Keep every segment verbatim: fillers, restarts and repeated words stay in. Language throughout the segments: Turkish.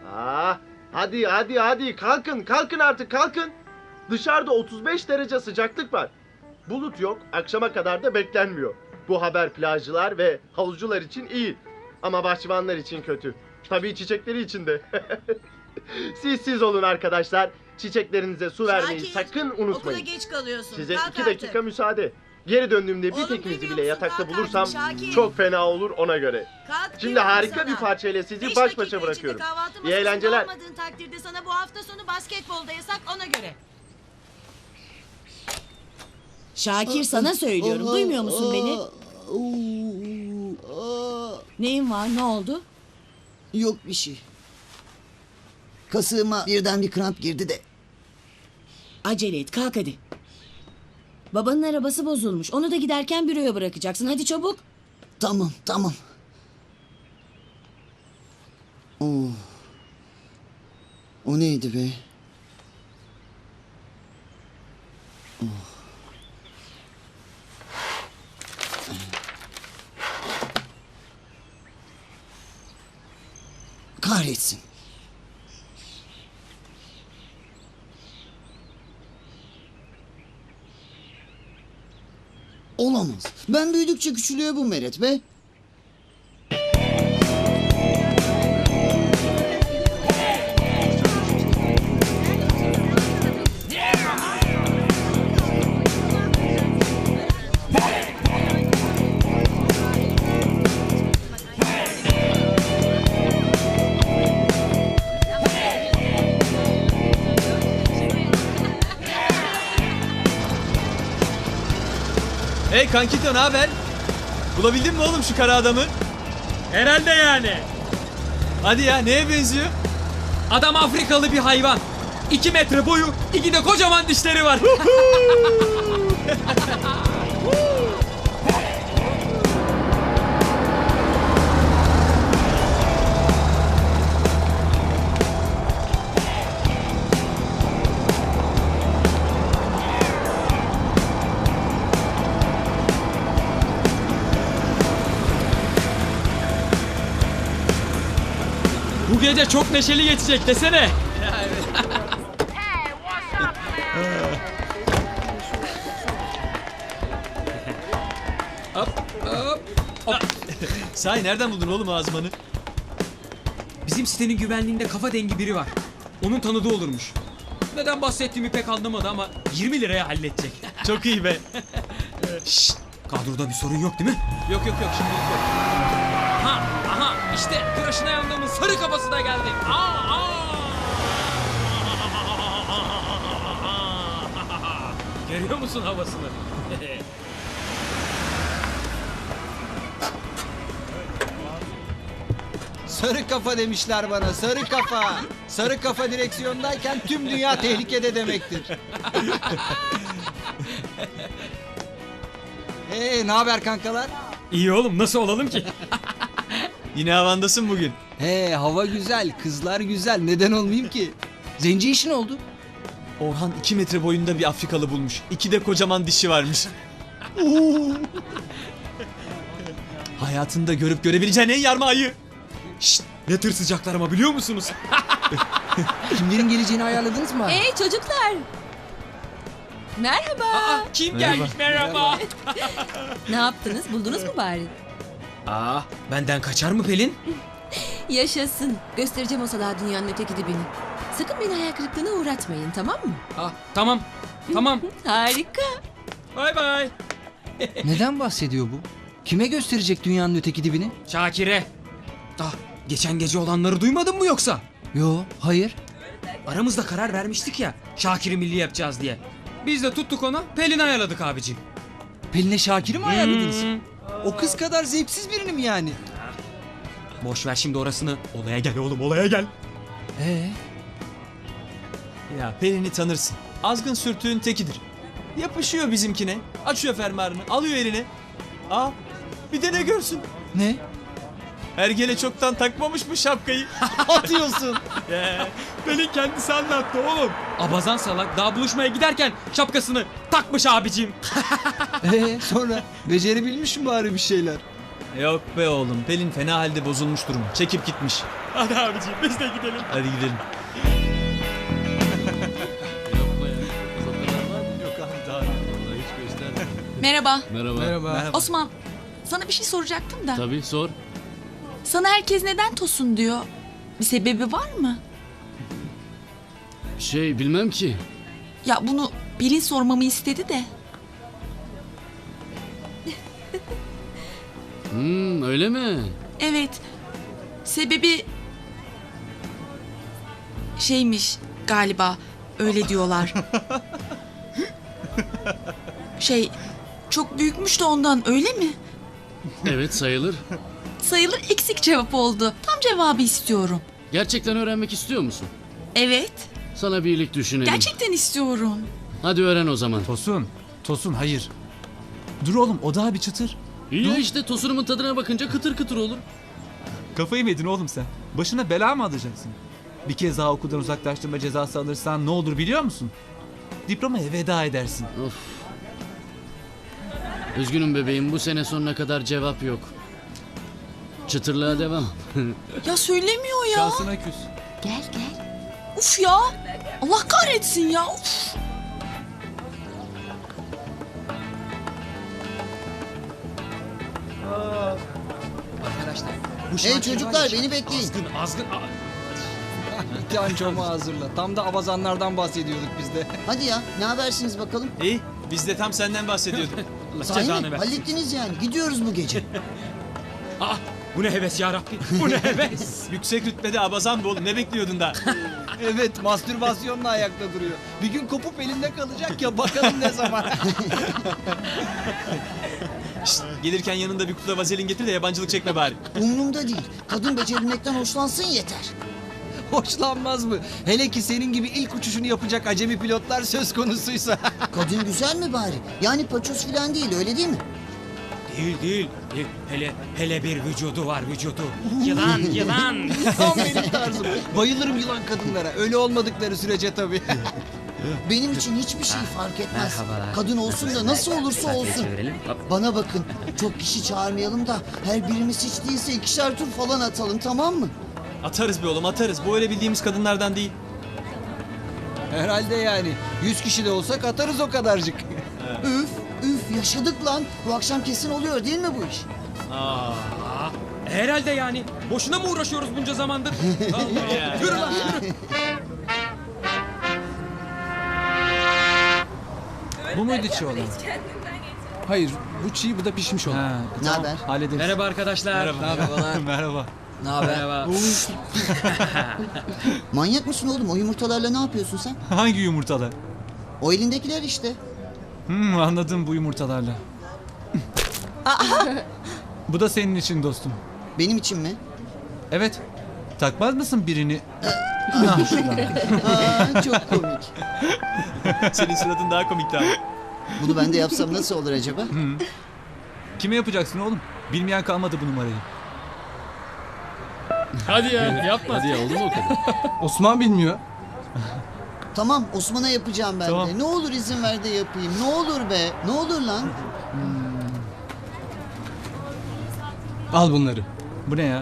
Ah, hadi hadi hadi kalkın kalkın artık kalkın. Dışarıda otuz beş derece sıcaklık var. Bulut yok, akşama kadar da beklenmiyor. Bu haber plajcılar ve havuzcular için iyi. Ama bahçıvanlar için kötü. Tabii çiçekleri için de. Siz siz olun arkadaşlar. Çiçeklerinize su vermeyi Şakir, sakın unutmayın. Okula geç kalıyorsun. Size Kalk iki artık. dakika müsaade. Geri döndüğümde bir Oğlum, tekinizi duymuyor bile musun? yatakta Kalk bulursam artık Şakir. çok fena olur ona göre. Kalk, Şimdi diyorum harika sana. bir parçayla sizi Beş baş dakika başa içinde bırakıyorum. kahvaltı İyi masasında eğlenceler. olmadığın takdirde sana bu hafta sonu basketbolda yasak, ona göre. Şakir, sana söylüyorum. Duymuyor musun beni? Neyin var? Ne oldu? Yok bir şey. Kasığıma birden bir kramp girdi de. Acele et, kalk hadi. Babanın arabası bozulmuş. Onu da giderken büroya bırakacaksın. Hadi çabuk. Tamam tamam. Oo. O neydi be? Oh. Kahretsin. Olamaz. Ben büyüdükçe küçülüyor bu Meret be. Hey kankito, ne haber? Bulabildin mi oğlum şu kara adamı? Herhalde yani. Hadi ya, neye benziyor? Adam Afrikalı bir hayvan. İki metre boyu, iki de kocaman dişleri var. Bu gece çok neşeli geçecek desene. Hop hop hop. Sahi nereden buldun oğlum ağzımanı? Bizim sitenin güvenliğinde kafa dengi biri var. Onun tanıdığı olurmuş. Neden bahsettiğimi pek anlamadı ama yirmi liraya halledecek. Çok iyi be. Şşt, kadroda bir sorun yok değil mi? Yok yok yok, şimdilik yok. Aha, aha işte tıraşına yandığımın sarı kafası da geldi. Aa, aa. Görüyor musun havasını? Sarı kafa demişler bana, sarı kafa. Sarı kafa direksiyondayken tüm dünya tehlikede demektir. Hey, ne haber kankalar? İyi oğlum, nasıl olalım ki? Yine havandasın bugün. He, hava güzel, kızlar güzel. Neden olmayayım ki? Zenci işin oldu. Orhan iki metre boyunda bir Afrikalı bulmuş. İki de kocaman dişi varmış. Hayatında görüp görebileceğin en yarma ayı. Şşt, ne tırsacaklar ama biliyor musunuz? Kimlerin geleceğini ayarladınız mı? Hey çocuklar. Merhaba. Aa, kim gelmiş merhaba. Ne yaptınız? Buldunuz mu bari? Aa, benden kaçar mı Pelin? Yaşasın. Göstereceğim o salağa dünyanın öteki dibini. Sakın beni hayal kırıklığına uğratmayın, tamam mı? Ah, tamam, tamam. Harika. Bay bay. Neden bahsediyor bu? Kime gösterecek dünyanın öteki dibini? Şakir'e. Ah, geçen gece olanları duymadın mı yoksa? Yo, hayır. Aramızda karar vermiştik ya, Şakir'i milli yapacağız diye. Biz de tuttuk ona, Pelin ayarladık abicim. Pelin'e Şakir'i mi ayarladınız? Hmm. O kız kadar zevksiz birini mi yani? Boş ver şimdi orasını. Olaya gel oğlum, olaya gel. Ee? Ya Pelin'i tanırsın. Azgın sürtüğün tekidir. Yapışıyor bizimkine. Açıyor fermuarını, alıyor eline. Aa, bir de ne görsün? Ne? Ergele çoktan takmamış mı şapkayı? Atıyorsun. Ya, Pelin kendisi anlattı oğlum. Abazan salak daha buluşmaya giderken şapkasını takmış abicim. Ee, sonra becerebilmiş mi bari bir şeyler? Yok be oğlum. Pelin fena halde bozulmuş durum. Çekip gitmiş. Hadi abiciğim biz de gidelim. Hadi gidelim. Merhaba. Merhaba. Merhaba. Osman, sana bir şey soracaktım da. Tabii sor. Sana herkes neden Tosun diyor? Bir sebebi var mı? Şey bilmem ki. Ya bunu Pelin sormamı istedi de. Hmm, öyle mi? Evet. Sebebi şeymiş galiba. Öyle diyorlar. Şey çok büyükmüş de ondan, öyle mi? Evet sayılır. Sayılır, eksik cevap oldu. Tam cevabı istiyorum. Gerçekten öğrenmek istiyor musun? Evet. Sana bir iyilik düşünelim. Gerçekten istiyorum. Hadi öğren o zaman. Tosun. Tosun hayır. Dur oğlum o daha bir çıtır. İyi ya işte tosunumun tadına bakınca kıtır kıtır olur. Kafayı mı yedin oğlum sen? Başına bela mı alacaksın? Bir kez daha okuldan uzaklaştırma cezası alırsan ne olur biliyor musun? Diplomaya veda edersin. Of. Üzgünüm bebeğim, bu sene sonuna kadar cevap yok. Çıtırlığa devam. Ya söylemiyor ya. Şansına küs. Gel gel. Uf ya. Allah kahretsin ya. Uf. Arkadaşlar. Bu Hey şarkı çocuklar, var ya, beni bekleyin. Azgın azgın. Aa, Bir tane çomağı hazırla. Tam da avazanlardan bahsediyorduk biz de. Hadi ya, ne habersiniz bakalım? İyi. Biz de tam senden bahsediyorduk. Sahi cezanı mi? versin. Hallettiniz yani. Gidiyoruz bu gece. Aa, bu ne heves ya Rabbi. Bu ne heves. Yüksek rütbede abazan bu oğlum. Ne bekliyordun da? Evet, mastürbasyonla ayakta duruyor. Bir gün kopup elinde kalacak ya, bakalım ne zaman. Şşt, gelirken yanında bir kutu vazelin getir de yabancılık çekme bari. Umrumda değil. Kadın becerilmekten hoşlansın yeter. Hoşlanmaz mı? Hele ki senin gibi ilk uçuşunu yapacak acemi pilotlar söz konusuysa. Kadın güzel mi bari? Yani paçoz falan değil, öyle değil mi? Değil değil. Değil. Hele hele bir vücudu var vücudu. Yılan yılan. Tam benim tarzım. Bayılırım yılan kadınlara. Öyle olmadıkları sürece tabii. Benim için hiçbir şey fark etmez. Merhabalar. Kadın olsun da nasıl olursa olsun. Bana bakın, çok kişi çağırmayalım da her birimiz hiç değilse ikişer tur falan atalım, tamam mı? Atarız be oğlum atarız. Bu öyle bildiğimiz kadınlardan değil. Herhalde yani. Yüz kişi de olsak atarız o kadarcık. Üf, üf yaşadık lan. Bu akşam kesin oluyor değil mi bu iş? Aa, herhalde yani. Boşuna mı uğraşıyoruz bunca zamandır? Allah Allah. Yürü lan yürü. Bu muydu çiğ olan? Hayır, bu çiğ, bu da pişmiş olan. Ha, Ne haber? hallederiz. Merhaba arkadaşlar. Merhaba. Merhaba. Ne haber? Merhaba. Manyak mısın oğlum? O yumurtalarla ne yapıyorsun sen? Hangi yumurtalar? O elindekiler işte. Hmm, anladım bu yumurtalarla. Bu da senin için dostum. Benim için mi? Evet. Takmaz mısın birini? Aa, çok komik. Senin suratın daha komikti abi. Bunu ben de yapsam nasıl olur acaba? Kime yapacaksın oğlum? Bilmeyen kalmadı bu numarayı. Hadi ya yapma. Hadi ya oldu mu o kadar? Osman bilmiyor. Tamam, Osman'a yapacağım ben Tamam. de. Ne olur izin ver de yapayım. Ne olur be. Ne olur lan. Al bunları. Bu ne ya?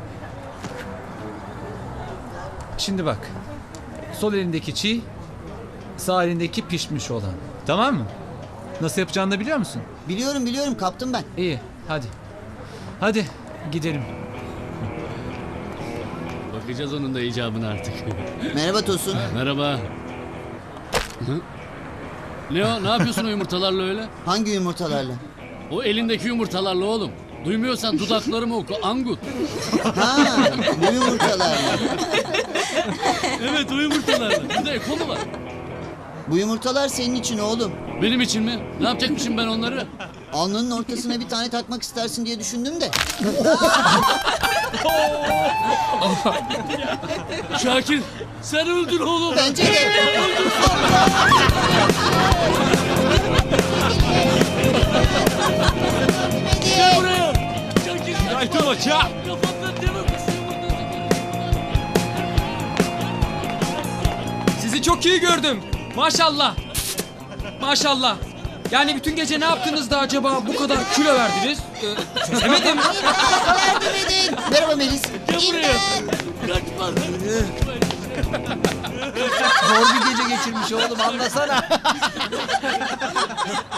Şimdi bak. Sol elindeki çiğ, sağ elindeki pişmiş olan. Tamam mı? Nasıl yapacağını da biliyor musun? Biliyorum biliyorum, kaptım ben. İyi, hadi. Hadi gidelim. Bakacağız onun da icabına artık. Merhaba Tosun. Merhaba. Hı? Ne o? Ne yapıyorsun o yumurtalarla öyle? Hangi yumurtalarla? O elindeki yumurtalarla oğlum. Duymuyorsan dudaklarımı oku. Angut. Ha, bu yumurtalarla. Evet o yumurtalarla. Bir de eko mu var? Bu yumurtalar senin için oğlum. Benim için mi? Ne yapacakmışım ben onları? Alnının ortasına bir tane takmak istersin diye düşündüm de. Şakir sen öldür oğlum. Bence de. Gel buraya. Şakir. Aytun Hoca! Kapatın Sizi çok iyi gördüm. Maşallah. Maşallah. Yani bütün gece ne yaptınız da acaba bu kadar kilo verdiniz? Ee, çözemedim. Yardım edin. Merhaba Melis. Zor bir gece geçirmiş oğlum anlasana.